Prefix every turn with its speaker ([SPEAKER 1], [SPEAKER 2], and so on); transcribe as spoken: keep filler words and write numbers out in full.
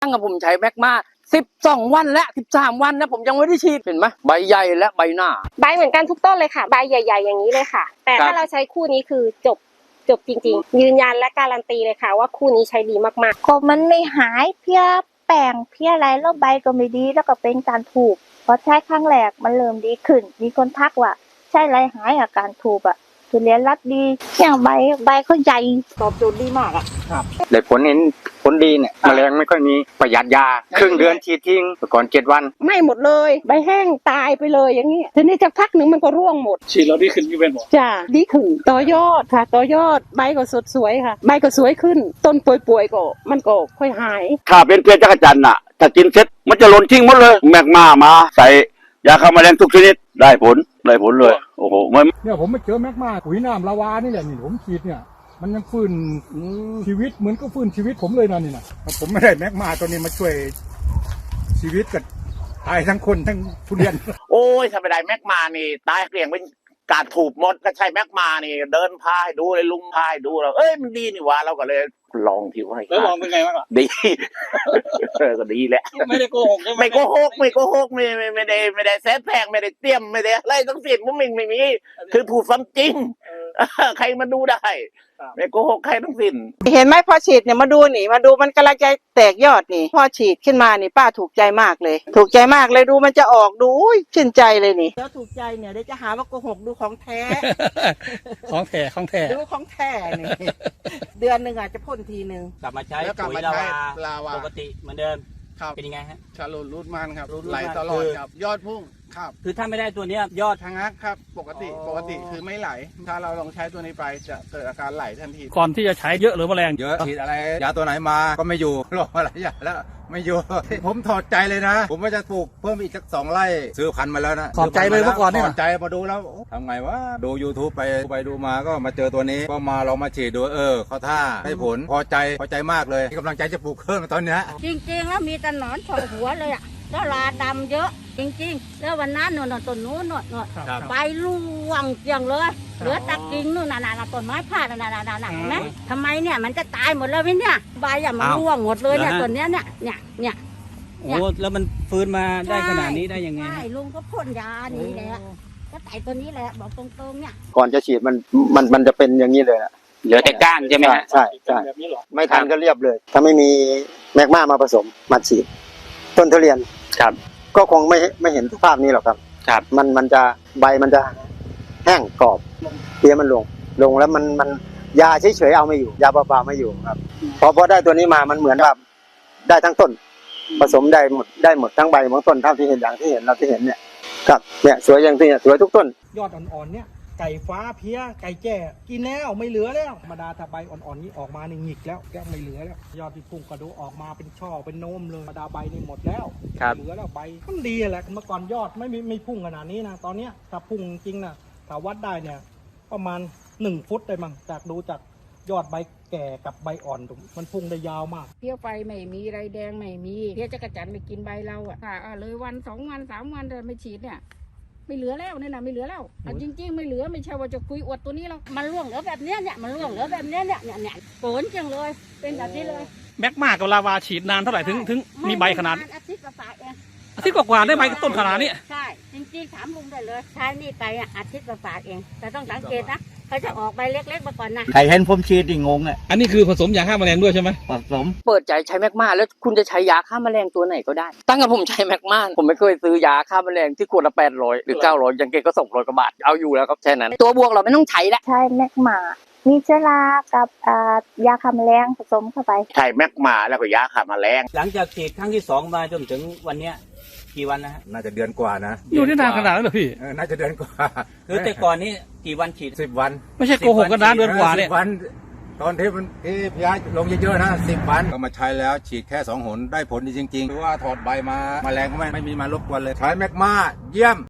[SPEAKER 1] ตั้งกับผมใช้แมกมาสิบสองวันและสิบสามวันนะผมยังไม่ได้ฉีดเห็นไหมใบใหญ่และใบหน้า
[SPEAKER 2] ใบเหมือนกันทุกต้นเลยค่ะใบใหญ่ๆอย่างนี้เลยค่ะ แต่ถ้าเราใช้คู่นี้คือจบจบจริงๆยืนยันและการันตีเลยค่ะว่าคู่นี้ใช้ดีมากๆ
[SPEAKER 3] ก็มันไม่หายเพี้ยแป้งเพี้ยอะไรแล้วใบก็ไม่ดีแล้วก็เป็นการถูกพอใช้ครั้งแรกมันเริ่มดีขึ้นมีคนทักว่าใช่ไรหายอาการถูกอ่ะทุเรียนรัดดีอย่างใบใบเขาใหญ่ตอบโจทย์ดีมากอ่ะ
[SPEAKER 4] ครับได้ผลเห็นผลดีเนี่ยแมลงไม่ค่อยมีประหยัดยาครึ่งเดือนฉีดทิ้งก่อนเจ็ดวัน
[SPEAKER 2] ไม่หมดเลยใบแห้งตายไปเลยอย่างนี้ทีนี้จะพักหนึ่งมันก็ร่วงหมด
[SPEAKER 5] ฉีดแล้วดีขึ้นพี่เป็นบอก
[SPEAKER 2] จ้าดีขึ้นต่อยอดค่ะต่อยอดใบก็สดสวยค่ะใบก็สวยขึ้นต้นป่วยๆก็มันก็ค่อยหาย
[SPEAKER 6] ถ้าเป็นเพี้ยจักรจันทร์น่ะถ้ากินเสร็จมันจะหล่นทิ้งหมดเลยแมกมามาใส่ยาฆ่าแมลงทุกชนิดได้ผลได้ผลเลยโอ้โหมัน
[SPEAKER 5] เนี่ยผมไม่เจอแมกมาปุ๋ยน้ำลาวานี่แหละนี่ผมฉีดเนี่ยมันยังฟื้นชีวิตเหมือนก็ฟื้นชีวิตผมเลยนะนี่นะผมไม่ได้แมกมาตัวนี้มาช่วยชีวิตกับตายทั้งคนทั้งทุเรียน
[SPEAKER 1] โอ้ยถ้าไม่ได้แมกมานี่ตายเกลี้ยงเป็นการถูกหมดก็ใช่แมกมานี่เดินพายดูเลยลุงพายดูเราเอ้ยมันดีนี่วะเราก็เลยลองที่ว่า
[SPEAKER 5] แล้วลองเป็นไงบ้าง
[SPEAKER 1] ดีก็ดีแหละ
[SPEAKER 5] ไม่ได้โกหก
[SPEAKER 1] ไม่โกหกไม่โกหกไม่ไม่ไม่ได้ไม่ได้แซดแพงไม่ได้เตรียมไม่ได้อะไรทั้งสิ้นมันไม่ไม่มีคือพูดความจริงใครมาดูได้ไม่โกหกใครทั้งสิ้น
[SPEAKER 7] เห็นไหมพอฉีดเนี่ยมาดูนี่มาดูมันกำลังจะแตกยอดนี่พอฉีดขึ้นมานี่ป้าถูกใจมากเลยถูกใจมากเลยดูมันจะออกดูชื่นใจเลยนี่แล้วถูกใจเนี่ยเดี๋ยวจะหาว่าโกหกดูของแท้
[SPEAKER 5] ของแท้ของแท้
[SPEAKER 7] ดูของแท้นี่เดือนหนึ่งอาจจะพ่นทีหนึ่ง
[SPEAKER 4] กลับมาใช้ปุ๋ยลาวาปกติเหมือนเดิมเป็นยังไงฮะ
[SPEAKER 8] ชาลูรูดมันครับไหลตลอดครับยอดพุ่งครับ
[SPEAKER 4] คือถ้าไม่ได้ตัวนี้ยอด
[SPEAKER 8] ทางฮักครับปกติปกติคือไม่ไหลถ้าเราลองใช้ตัวนี้ไปจะเกิดอาการไหลทันที
[SPEAKER 5] ก่อนที่จะใช้เยอะหรือแมลง
[SPEAKER 6] เยอะฉีดอะไรยาตัวไหนมาก็ไม่อยู่ลองอะไรอย่างแล้วไม่อยู่ผมถอดใจเลยนะผมว่าจะปลูกเพิ่มอีกสักสองไร่ซื้อพันธุ์มาแล้วนะ
[SPEAKER 5] ถอดใจเลยเมื่อก่อนนี่
[SPEAKER 6] ถอดใจมาดูแล้วทำไงวะดู YouTube ไปไปดูมาก็มาเจอตัวนี้ก็มาลองมาฉีดดูเออเขาท่าได้ผลพอใจพอใจมากเลยกำลังใจจะปลูกเพิ่มตอนนี้
[SPEAKER 3] จริงๆแล้วมีแต่หนอนฉกหัวเลยอ่ะก็ลาดำเยอะจริงๆแล้ววันนั้นหนอนต้นนู้นหนอนหนอนใบร่วงเกลี้ยงเลยเหลือตะกิ่งนู่นน่ะน่ะต้นไม้พาดน่ะน่ะน่ะน่ะเห็นไหมทำไมเนี่ยมันจะตายหมดเลยพี่เนี่ยใบอ่ะมันร่วงหมดเลยเนี่ยต้นเนี้ยเนี่ยเนี่ยเนี่ย
[SPEAKER 4] โอ้แล้วมันฟื้นมาได้ขนาดนี้ได้ยังไง
[SPEAKER 3] ใช่ลุงก็พ่นยานี่แหละก็ไต่ตัวนี้แหละบอกตรงๆเนี่ย
[SPEAKER 9] ก่อนจะฉีดมันมันมันจะเป็นอย่างนี้เลยนะ
[SPEAKER 4] เหลือแต่ก้านใช่ไหมฮะ
[SPEAKER 9] ใช่ใช่ไม่ทันก็เรียบเลยถ้าไม่มีแมกมามาผสมมาฉีดต้นทุเรียน
[SPEAKER 4] ครับ
[SPEAKER 9] ก็คงไม่ไม่เห็นสภาพนี้หรอกครับ
[SPEAKER 4] ครับ
[SPEAKER 9] มันมันจะใบมันจะแห้งกรอบเพี้ยมันลงลงแล้วมันมันยาเฉยๆเอาไม่อยู่ยาเปล่าๆไม่อยู่ครับพอพอได้ตัวนี้มามันเหมือนแบบได้ทั้งต้นผสมได้หมดได้หมดทั้งใบทั้งต้นเท่าที่เห็นอย่างที่เห็นเราที่เห็นเนี่ยครับเนี่ยสวยอย่างที่เนี่ยสวยทุกต้น
[SPEAKER 5] ยอดอ่อนๆเนี่ยไก่ฟ้าเพี้ยไก่แจ้กินแล้วไม่เหลือแล้วธรรมดาถ้าใบอ่อนๆนี้ออกมานี่หงิกแล้วแก้ไม่เหลือแล้วยอดที่พุ่งกระดูออกมาเป็นช่อเป็นโนมเลยธรรมดาใบนี่หมดแล้วเหลือแล้วใบมันดีแหละเมื่อก่อนยอดไม่ไม่พุ่งขนาดนี้นะตอนเนี้ยถ้าพุ่งจริงนะถ้าวัดได้เนี่ยประมาณหนึ่งฟุตได้มั้งจากดูจากยอดใบแก่กับใบอ่อนมันพุ่งได้ยาวมาก
[SPEAKER 2] เพี้ยไฟไม่มีไรแดงไม่มีเพี้ยจักรจันทร์ไม่กินใบเราอ่ะเลยวันสองวันสามวันเดินไม่ฉีดเนี่ยไม่เหลือแล้วเนี่ยนะไม่เหลือแล้วจริงๆไม่เหลือไม่ใช่ว่าจะคุยอวดตัวนี้แล้วมันร่วงเหลือแบบเนี้ยเนี่ยมันร่วงเหลือแบบเนี้ยเนี่ยเนี่ยเนี่ยโกนจังเลยเป็นแบบนี้เลย
[SPEAKER 5] แมกมากับลาวาฉีดนานเท่าไหร่ถึงถึงมีใบขนาด
[SPEAKER 2] อาทิตย์กว่าเอง
[SPEAKER 5] อาทิตย์กว่าได้ใบต้นขนาดนี้
[SPEAKER 2] ใช่จริงๆถามลุงได้เลยใช้นี่ไปอ่ะอาทิตย์กว่าเองแต่ต้องสังเกตนะเขาจะออกใบเล็กๆมาก่อนนะ
[SPEAKER 9] ใครเห็นผมฉีดดิงงอ่ะ
[SPEAKER 5] อันนี้คือผสมยาฆ่าแมลงด้วยใช่ไหม
[SPEAKER 9] ผสม
[SPEAKER 1] เปิดใจใช้แมกมาแล้วคุณจะใช้ยาฆ่าแมลงตัวไหนก็ได้ตั้งแต่ผมใช้แมกมาผมไม่เคยซื้อยาฆ่าแมลงที่ขวดละแปดร้อยหรือเก้าร้อยยังเก่งก็สองร้อยกว่าบาทเอาอยู่แล้วครับแค่นั้นตัวบวกเราไม่ต้องใช้แล้ว
[SPEAKER 3] ใช่แมกมามีเชื้อรากับยาฆ่าแมลงผสมเข้าไป
[SPEAKER 1] ใช่แมกมาแล้วก็ยาฆ่าแมลง
[SPEAKER 4] หลังจากฉีดครั้งที่สองมาจนถึงวันเนี้ยกี่วันนะฮะ
[SPEAKER 6] น่าจะเดือนกว่านะ
[SPEAKER 5] อยู่ที่นานขนาดนั้นเหรอพี่
[SPEAKER 6] น่าจะเดือนกว่า
[SPEAKER 4] คือแต่ก่อนนี้กี่วันฉีด
[SPEAKER 6] สิบวัน
[SPEAKER 5] ไม่ใช่โกหกกันนะเดือนกว่าเนี่ย
[SPEAKER 6] วันตอนที่มันที่พยาลงเยอะๆนะสิบวันก็มาใช้แล้วฉีดแค่สองหนได้ผลดีจริงๆหรือว่าถอดใบมาแมลงก็ไม่ไม่มีมารบกวนเลยใช้แมกมาเยี่ยม